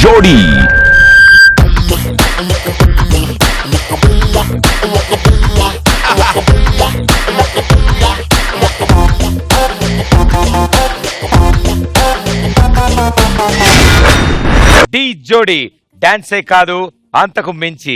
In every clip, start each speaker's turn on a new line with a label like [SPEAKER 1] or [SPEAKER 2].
[SPEAKER 1] జోడీ. డి జోడీ డాన్సే కాదు అంతకు మించి.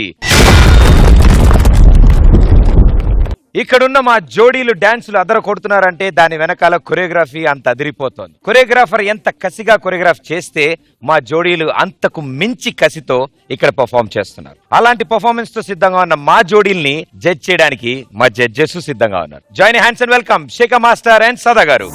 [SPEAKER 1] ఇక్కడున్న మా జోడీలు డాన్సులు అదర కొడుతున్నారంటే దాని వెనకాల కొరియోగ్రఫీ అంత అదిరిపోతోంది. కొరియోగ్రాఫర్ ఎంత కసిగా కొరియోగ్రాఫ్ చేస్తే మా జోడీలు అంతకు మించి కసితో ఇక్కడ పర్ఫార్మ్ చేస్తున్నారు. అలాంటి పర్ఫార్మెన్స్ తో సిద్ధంగా ఉన్న మా జోడీల్ని జడ్జ్ చేయడానికి మా జడ్జెస్ సిద్ధంగా ఉన్నారు. Join hands and welcome Shekhar master and Sada garu.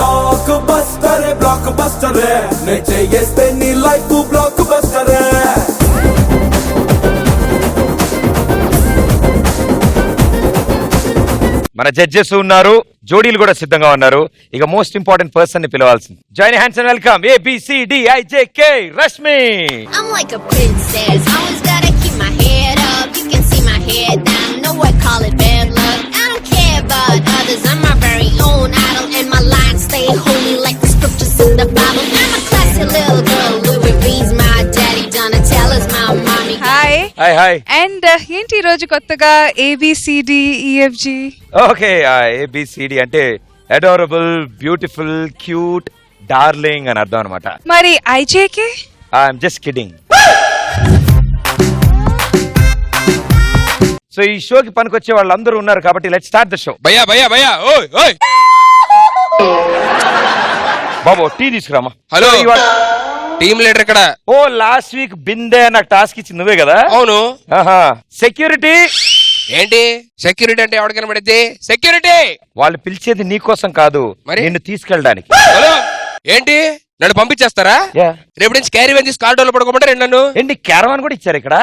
[SPEAKER 1] మన జడ్జెస్ ఉన్నారు, జోడీలు కూడా సిద్ధంగా ఉన్నారు. ఇక మోస్ట్ ఇంపార్టెంట్ పర్సన్ ని పిలవాల్సింది. Join hands and welcome ABCDIJK Rashmi.
[SPEAKER 2] I'm like a princess, always gotta keep my head up. You can see my head down, know I call it bad luck. I don't care about others, I'm my very own idol. And my lines stay holy like the scriptures in the Bible. I'm a classy little girl, Louis V's my daddy, Donatella's my mommy.
[SPEAKER 3] Hi and ఏంటి ఈ రోజు కొత్తగా ABCDEFG?
[SPEAKER 1] Okay, ABCD అంటే adorable, beautiful, cute, darling అని అర్థం అనమాట.
[SPEAKER 3] మరి IJK?
[SPEAKER 1] I'm just kidding. So ఈ షోకి పనికొచ్చే వాళ్ళందరూ ఉన్నారు కాబట్టి లెట్స్ స్టార్ట్ ద షో.
[SPEAKER 4] భయ్యా భయ్యా భయ్యా ఓయ్ ఓయ్
[SPEAKER 1] బాబు టీ తీసుకురామా.
[SPEAKER 4] హలో, టీమ్ లీడర్ ఇక్కడ.
[SPEAKER 1] ఓ లాస్ట్ వీక్ బిందే నాకు టాస్క్ ఇచ్చింది నువ్వే కదా?
[SPEAKER 4] అవును.
[SPEAKER 1] సెక్యూరిటీ
[SPEAKER 4] ఏంటి సెక్యూరిటీ అంటే ఎవరికి కనబడిద్ది? సెక్యూరిటీ
[SPEAKER 1] వాళ్ళు పిలిచేది నీ కోసం కాదు,
[SPEAKER 4] మరి
[SPEAKER 1] నిన్ను తీసుకెళ్ళడానికి.
[SPEAKER 4] హలో, ఏంటి నన్ను పంపించేస్తారా? రేపు నుంచి క్యారీ వ్యాన్ తీసి కార్డోలో పడుకోమంటారు నన్ను.
[SPEAKER 1] ఏంటి క్యారవాన్ కూడా ఇచ్చారు ఇక్కడ?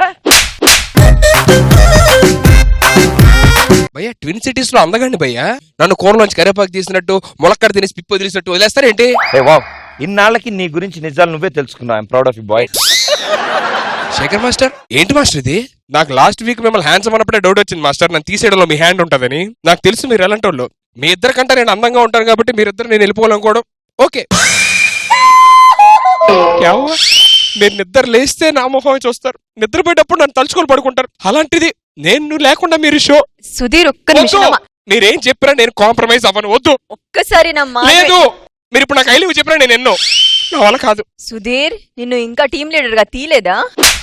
[SPEAKER 4] భయ్యా ట్విన్ సిటీస్ లో అందగండి భయ్యా. నన్ను కూరలోంచి కరేపాకు తీసినట్టు, ములక్కడ తినేసి పిప్పు వదిలేసినట్టు వదిలేస్తారేంటి?
[SPEAKER 1] ఇన్నాళ్ళకి నీ గురించి నిజాలు నువ్వే తెలుసుకున్నావు. I'm proud of you boy.
[SPEAKER 4] Shekhar master, ఏంటి మాస్టర్ ఇది? నాకు లాస్ట్ వీక్ మిమ్మల్ని హ్యాండ్సమ్ అన్నప్పుడే డౌట్ వచ్చింది మాస్టర్, నన్ను తీసేయడంలో మీ హ్యాండ్ ఉంటుందని. నాకు తెలుసు మీరు ఎలాంటి వాళ్ళు. మీ ఇద్దరికంటే నేను అందంగా ఉంటాను కాబట్టి మీరిద్దరు నేను వెళ్ళిపోవాలనుకోవడం ఓకే. మీరు నిద్ర లేస్తే నా మొహం చూస్తారు, నిద్రపోయేటప్పుడు నన్ను తలుచుకొని పడుకుంటారు. అలాంటిది నేను లేకుండా మీరు షో.
[SPEAKER 5] సుధీర్ ఒక్క నిమిషం,
[SPEAKER 4] మీరేం చెప్పినా నేను కాంప్రమైజ్ అవ్వను. వద్దు,
[SPEAKER 5] ఒక్కసారి
[SPEAKER 4] లేదు. మీరు ఇప్పుడు నాకు ఐలివ్ చెప్పినా నేను ఎన్నో నా వల్ల కాదు.
[SPEAKER 5] సుధీర్, నిన్ను ఇంకా టీం లీడర్ గా తీలేదా?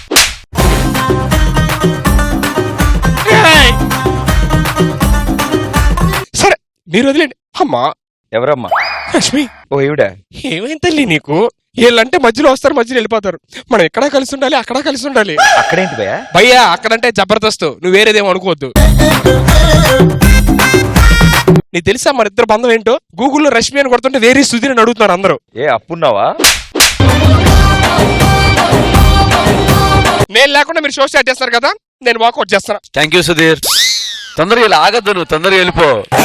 [SPEAKER 4] సరే మీరు వదిలేండి. అమ్మా
[SPEAKER 1] ఎవరమ్మా?
[SPEAKER 4] రష్మి.
[SPEAKER 1] ఓ ఈవిడ.
[SPEAKER 4] ఏమైంది తల్లి నీకు? వీళ్ళంటే మధ్యలో వస్తారు, మధ్యలో వెళ్ళిపోతారు. మనం ఎక్కడా కలిసి ఉండాలి, అక్కడ కలిసి ఉండాలి.
[SPEAKER 1] అక్కడేంటి భయ్యా?
[SPEAKER 4] భయ్యా అక్కడంటే జబర్దస్త్, నువ్వు వేరేదేమో అనుకోవద్దు. నీకు తెలుసా మన ఇద్దరు బంధం ఏంటో? గూగుల్లో రష్మి అని కొడుతుంటే వేరే సుధీర్ అని అడుగుతున్నారు అందరూ.
[SPEAKER 1] ఏ అప్పున్నావా?
[SPEAKER 4] నేను లేకుండా మీరు షో స్టార్ట్ చేస్తారు కదా, నేను వాకౌట్ చేస్తాను.
[SPEAKER 6] Thank you Sudheer. తొందరగా ఇలా ఆగద్దు, నువ్వు తొందరగా వెళ్ళిపో.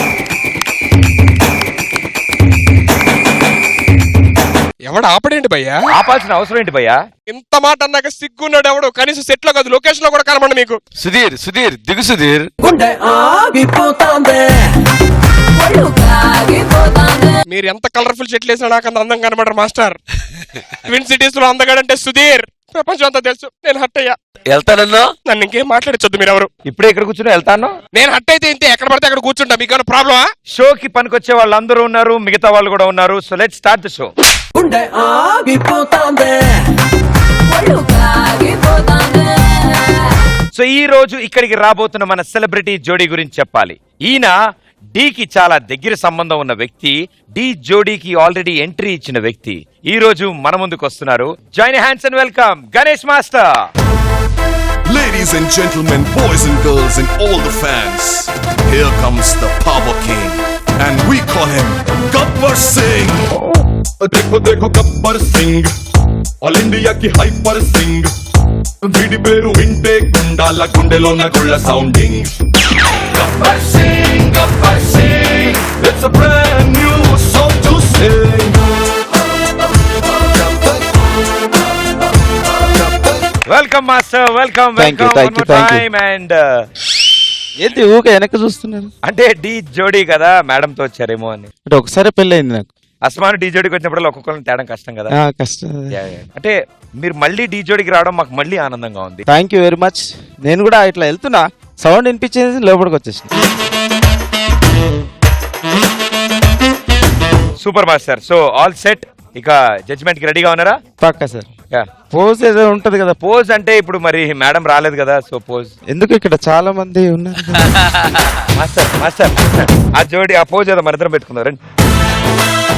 [SPEAKER 4] ఎవడు ఆపడేంటి భయ్యా?
[SPEAKER 1] ఆపాల్సిన అవసరం ఏంటి భయ్యా?
[SPEAKER 4] ఇంత మాట అన్నాక సిగ్గున్నాడు ఎవడు? కనీసం సెట్ లో కాదు, లొకేషన్ లో కూడా కనబడి మీకు.
[SPEAKER 6] సుధీర్ దిగు సుధీర్.
[SPEAKER 4] మీరు ఎంత కలర్ఫుల్ చెట్లు వేసినా నాకు అంత అందం కనబడరు మాస్టర్. ట్విన్ సిటీస్ లో అందగాడంటే సుధీర్. ప్రపంచం అంతా తెలుసు. నేను హట్ అయ్యా.
[SPEAKER 6] వెళ్తానన్నా?
[SPEAKER 4] నన్ను ఇంకేం మాట్లాడొద్దు. మీరు ఎవరు?
[SPEAKER 1] ఇప్పుడే ఇక్కడ కూర్చుని వెళ్తాను.
[SPEAKER 4] నేను హట్ అయితే ఇంతే, ఎక్కడ పడితే అక్కడ కూర్చుంటా. మీకు ఏమైనా ప్రాబ్లమా?
[SPEAKER 1] షోకి పనికొచ్చే వాళ్ళందరూ ఉన్నారు, మిగతా వాళ్ళు కూడా ఉన్నారు. So let's start the show. So ఈ రోజు ఇక్కడికి రాబోతున్న మన సెలబ్రిటీ జోడీ గురించి చెప్పాలి. ఈయన డీకి చాలా దగ్గర సంబంధం ఉన్న వ్యక్తి. డి జోడీకి ఆల్రెడీ ఎంట్రీ ఇచ్చిన వ్యక్తి ఈ రోజు మన ముందుకు వస్తున్నారు. Join hands and welcome Ganesh master.
[SPEAKER 7] Ladies and gentlemen, boys and girls and all the fans, here comes the Power King and we call him Gabbar Singh. देखो देखो गब्बर सिंह, ऑल इंडिया की हाइपर सिंह. వీడి పేరు వింటే గుండాల గుండెలోన గుళ్ళ sounding. Gabbar Singh, it's a brand new song to sing.
[SPEAKER 1] Welcome master, welcome welcome one more time. And
[SPEAKER 6] ఏంటి ఊకే వెనక్కి చూస్తున్నారు?
[SPEAKER 1] అంటే డి జోడీ కదా, మేడం తో వచ్చారేమో అని.
[SPEAKER 6] అంటే ఒకసారి పెళ్ళయింది నాకు.
[SPEAKER 1] అస్మాన్ డీ జోడికి వచ్చినప్పుడు ఒక్కొక్కరిని తేడం కష్టం కదా.
[SPEAKER 8] కష్టం.
[SPEAKER 1] Yeah, yeah. అంటే మీరు మళ్ళీ డీ జోడికి రావడం మాకు మళ్ళీ ఆనందంగా ఉంది.
[SPEAKER 8] Thank you very much. నేను కూడా ఇట్లా వెళ్తున్నా, సౌండ్ వినిపించేసి లోపలికి వచ్చేసిన.
[SPEAKER 1] Super master. So all set. ఇక జడ్జ్మెంట్ కి రెడీగా ఉన్నారా?
[SPEAKER 8] పక్కా సార్. పోజ్ ఏదో ఉంటది కదా.
[SPEAKER 1] పోజ్ అంటే ఇప్పుడు మరి మేడం రాలేదు కదా, సో పోజ్
[SPEAKER 8] ఎందుకు ఇక్కడ చాలా మంది ఉన్నారు.
[SPEAKER 1] మాస్టర్ మాస్టర్ ఆ జోడి ఆ పోజ్ ఏదో మన ఇద్దరం పెట్టుకుందాం రండి.